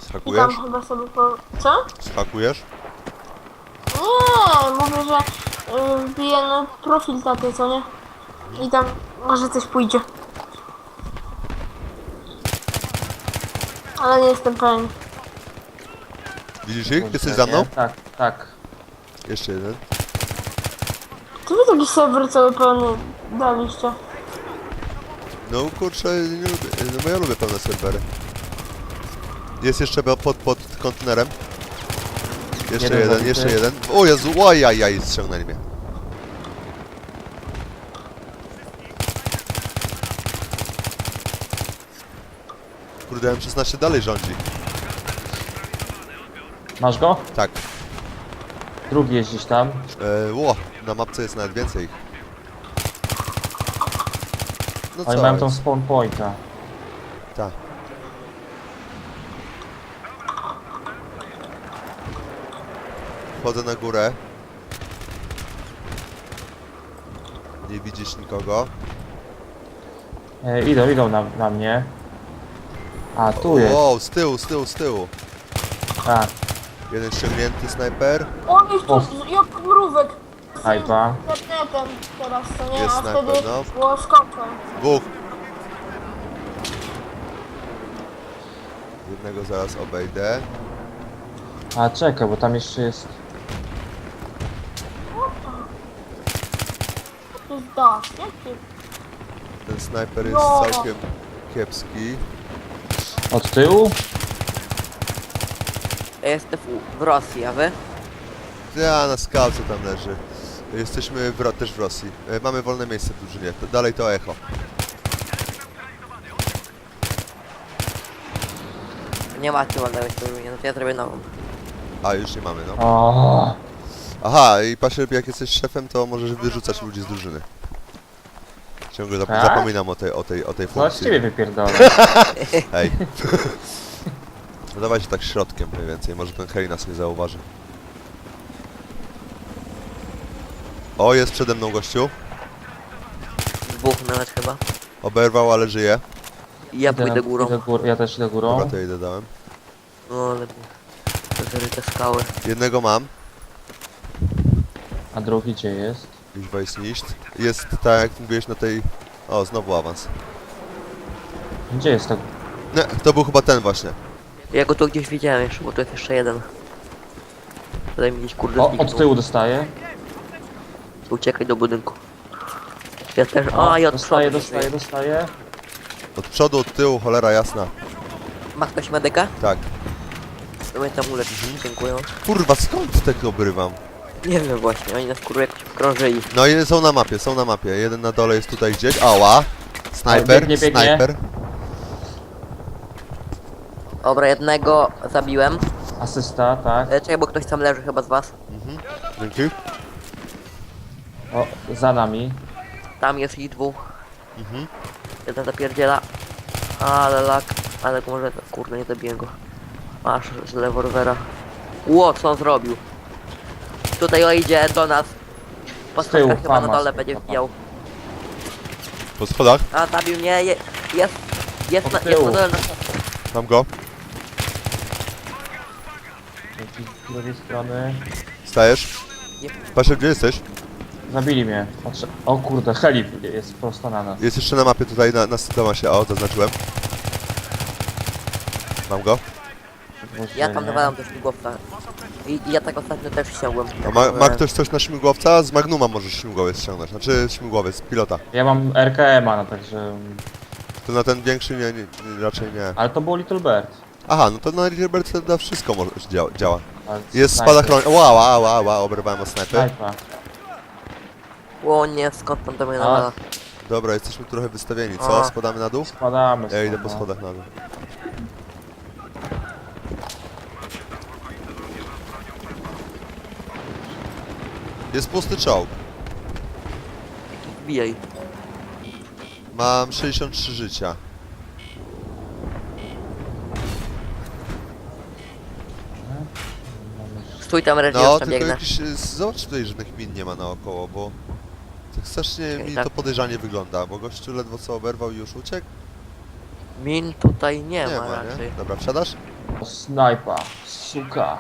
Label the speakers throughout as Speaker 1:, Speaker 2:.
Speaker 1: I tam
Speaker 2: Skakujesz?
Speaker 1: chyba sobie po... Co?
Speaker 2: Skakujesz?
Speaker 1: Nie, mówię, że wbiję na profil taty, co nie? I tam może coś pójdzie. Ale nie jestem pewien.
Speaker 2: Widzisz ich?
Speaker 3: Kurczę,
Speaker 2: Jesteś za mną?
Speaker 3: nie? Tak, tak.
Speaker 2: Jeszcze jeden.
Speaker 1: Czy wy taki serwer cały pełny daliście?
Speaker 2: No kurczę, nie lubię, no bo ja lubię pełne serwery. Jest jeszcze pod kontenerem. Jeszcze
Speaker 3: Jeden
Speaker 2: jeden,
Speaker 3: zabity.
Speaker 2: jeszcze jeden. O Jezu, ojajaj, ściągnęli mnie. Kurde, M16 dalej rządzi.
Speaker 3: Masz go?
Speaker 2: Tak.
Speaker 3: Drugi jest gdzieś tam.
Speaker 2: Na mapce jest nawet więcej ich. No
Speaker 3: Oni
Speaker 2: co
Speaker 3: mają tą
Speaker 2: jest?
Speaker 3: spawn pointa.
Speaker 2: Tak. Wchodzę na górę. Nie widzisz nikogo.
Speaker 3: Idą na mnie. A, tu jest.
Speaker 2: Wow, z tyłu.
Speaker 3: Tak,
Speaker 2: Jeden ściągnięty snajper.
Speaker 1: On jest
Speaker 3: O.
Speaker 1: tu jak mrówek.
Speaker 3: snajpa.
Speaker 1: Internetem teraz, to nie?
Speaker 2: Jest
Speaker 1: A
Speaker 2: snajper,
Speaker 1: wtedy
Speaker 2: no.
Speaker 1: było skopem.
Speaker 2: Dwóch. Jednego zaraz obejdę.
Speaker 3: A, czekaj, bo tam jeszcze jest...
Speaker 1: To jest dasz, nie?
Speaker 2: Ten snajper jest
Speaker 1: No.
Speaker 2: całkiem kiepski.
Speaker 3: Od tyłu?
Speaker 4: Ja jestem w Rosji, a wy?
Speaker 2: Ja na skałce tam leży. Jesteśmy też w Rosji. Mamy wolne miejsce w drużynie. Dalej to echo.
Speaker 4: Nie macie ładnego no to ja zrobię nową.
Speaker 2: A, już nie mamy, no.
Speaker 3: O,
Speaker 2: Aha, i patrzę, jak jesteś szefem, to możesz wyrzucać ludzi z drużyny. Ciągle
Speaker 3: Tak?
Speaker 2: zapominam o tej
Speaker 3: co z
Speaker 2: funkcji.
Speaker 3: ciebie wypierdolę?
Speaker 2: Hej. No dawaj się tak środkiem mniej więcej, może ten hej nas nie zauważy. O, jest przede mną gościu.
Speaker 4: Dwóch nawet chyba.
Speaker 2: Oberwał, ale żyje.
Speaker 4: I ja pójdę górą.
Speaker 3: Ja też idę górą.
Speaker 2: Dobra, to ja idę dałem.
Speaker 4: No ale... To te skały.
Speaker 2: Jednego mam.
Speaker 3: A drugi gdzie jest?
Speaker 2: Nicht. Jest tak jak mówiłeś na tej... O, znowu awans.
Speaker 3: Gdzie jest to?
Speaker 2: Nie, to był chyba ten właśnie.
Speaker 4: Ja go tu gdzieś widziałem jeszcze, bo tu jest jeszcze jeden. Tutaj mi gdzieś kurde
Speaker 3: O,
Speaker 4: zniknął.
Speaker 3: od tyłu dostaję.
Speaker 4: Uciekaj do budynku. Ja też... A, ja od
Speaker 3: Dostaję,
Speaker 4: przodu
Speaker 3: dostaję,
Speaker 4: żyję.
Speaker 3: dostaję.
Speaker 2: Od przodu, od tyłu, cholera jasna.
Speaker 4: Ma ktoś medyka?
Speaker 2: Tak.
Speaker 4: To mnie tam uleczyć, dziękuję.
Speaker 2: Kurwa, skąd tego obrywam?
Speaker 4: Nie wiem właśnie, oni nas kurde jakoś wkrążyli.
Speaker 2: No i są na mapie, są na mapie. Jeden na dole jest tutaj gdzieś. Ała! Snajper,
Speaker 3: Biegnie, biegnie.
Speaker 2: snajper.
Speaker 4: Dobra, jednego zabiłem.
Speaker 3: Asysta, tak.
Speaker 4: Czekaj, bo ktoś tam leży chyba z was.
Speaker 2: Dzięki.
Speaker 3: O, za nami.
Speaker 4: Tam jest ich dwóch.
Speaker 2: Mhm.
Speaker 4: Jeden zapierdziela. Ale lak. Ale może... Kurde, nie zabiję go. Masz z rewolwera. Ło, co on zrobił? Tutaj o idzie do nas. Po
Speaker 3: Z tyłu,
Speaker 4: schodkach chyba na
Speaker 3: Famas.
Speaker 4: dole będzie wbijał.
Speaker 2: Po schodach.
Speaker 4: A, zabił mnie. Jest
Speaker 3: Od
Speaker 4: jest na
Speaker 3: tyłu.
Speaker 4: dole na schodkach.
Speaker 2: Mam go.
Speaker 3: Z drugiej strony.
Speaker 2: Stajesz.
Speaker 4: Nie.
Speaker 2: Patrz, gdzie jesteś?
Speaker 3: Zabili mnie. Patrzę. O kurde, heli jest prosto na nas.
Speaker 2: Jest jeszcze na mapie tutaj, na Tomasie. O, zaznaczyłem. Mam go.
Speaker 4: Ja tam nawalam do śmigłowca. I ja tak ostatnio też ściągłem.
Speaker 2: A ma ktoś coś na śmigłowca? Z Magnuma możesz śmigłowiec ściągnąć. Znaczy śmigłowiec, pilota.
Speaker 3: Ja mam RKM-a, no także...
Speaker 2: To na ten większy raczej nie.
Speaker 3: Ale to był Little Bird.
Speaker 2: Aha, no to na Hilbert na wszystko może działa.
Speaker 3: Ale
Speaker 2: Jest
Speaker 3: snajper.
Speaker 2: spadochron... Ła, oberwałem o snajper.
Speaker 3: Snajpa.
Speaker 4: Ło nie, skąd tam do mnie
Speaker 3: A.
Speaker 4: nawala?
Speaker 2: Dobra, jesteśmy trochę wystawieni, co?
Speaker 4: A.
Speaker 2: Spadamy na dół?
Speaker 3: Spadamy.
Speaker 2: Ja idę
Speaker 3: stąd,
Speaker 2: po
Speaker 3: no.
Speaker 2: schodach na dół. Jest pusty czołg.
Speaker 4: Wbijaj.
Speaker 2: Mam 63 życia.
Speaker 4: Stój tam, Reggie,
Speaker 2: No,
Speaker 4: już tam
Speaker 2: tylko
Speaker 4: biegnę.
Speaker 2: jakiś... Zobacz tutaj, żadnych min nie ma naokoło, bo... Tak strasznie
Speaker 4: Okej,
Speaker 2: mi
Speaker 4: tak.
Speaker 2: to podejrzanie wygląda, bo gościu ledwo co oberwał i już uciekł.
Speaker 4: Min tutaj nie,
Speaker 2: Nie
Speaker 4: ma
Speaker 2: ma,
Speaker 4: raczej.
Speaker 2: nie? Dobra, wsiadasz?
Speaker 3: snajpa, suka.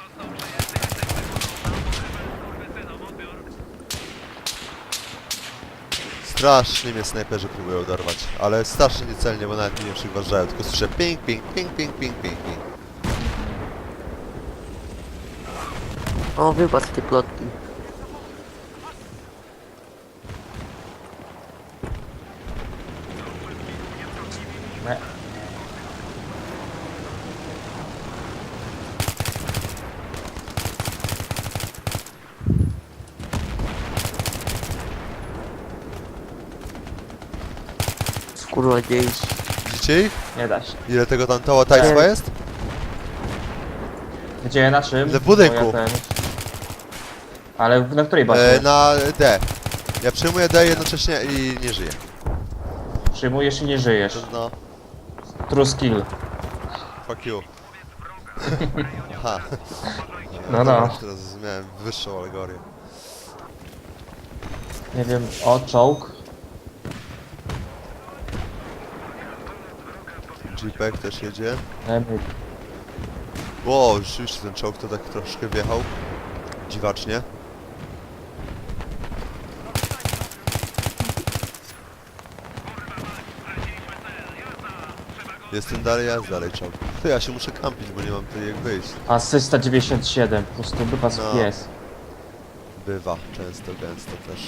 Speaker 2: Strasznie mnie snajperzy próbują dorwać, ale strasznie niecelnie, bo nawet mnie nie przyważają, tylko słyszę ping, ping, ping, ping, ping, ping, ping.
Speaker 4: O, wypadł z tej plotki.
Speaker 3: Nie.
Speaker 4: Skurwa dzieci.
Speaker 2: Widzicie ich?
Speaker 3: Nie da się.
Speaker 2: Ile tego tam toła tajstwa
Speaker 4: Tak.
Speaker 2: jest?
Speaker 3: Gdzie, na czym?
Speaker 2: W budynku.
Speaker 3: Bo ja Ale na której bazie?
Speaker 2: Na D. Ja przyjmuję D jednocześnie i nie żyję.
Speaker 3: Przyjmujesz i nie żyjesz.
Speaker 2: No,
Speaker 3: True skill.
Speaker 2: fuck you. Aha.
Speaker 3: No.
Speaker 2: Dobra, teraz zrozumiałem wyższą alegorię.
Speaker 3: Nie wiem, o, czołg.
Speaker 2: Jeepek też jedzie.
Speaker 3: Dajmy-
Speaker 2: Wow, rzeczywiście ten czołg to tak troszkę wjechał. Dziwacznie. Jestem dalej, ja dalej czołg. Ty, ja się muszę kampić, bo nie mam tutaj jak wyjść.
Speaker 3: Asysta 97, po prostu wypas
Speaker 2: No.
Speaker 3: pies.
Speaker 2: Bywa, często, gęsto też.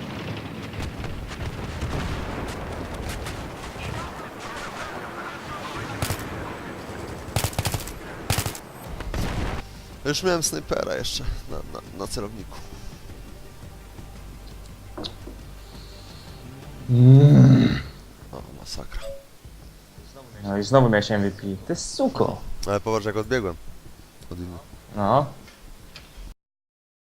Speaker 2: Już miałem snajpera jeszcze na celowniku. O, masakra.
Speaker 3: No i znowu miałeś MVP. Ty suko.
Speaker 2: Ale popatrz jak odbiegłem. Od innych.
Speaker 3: No.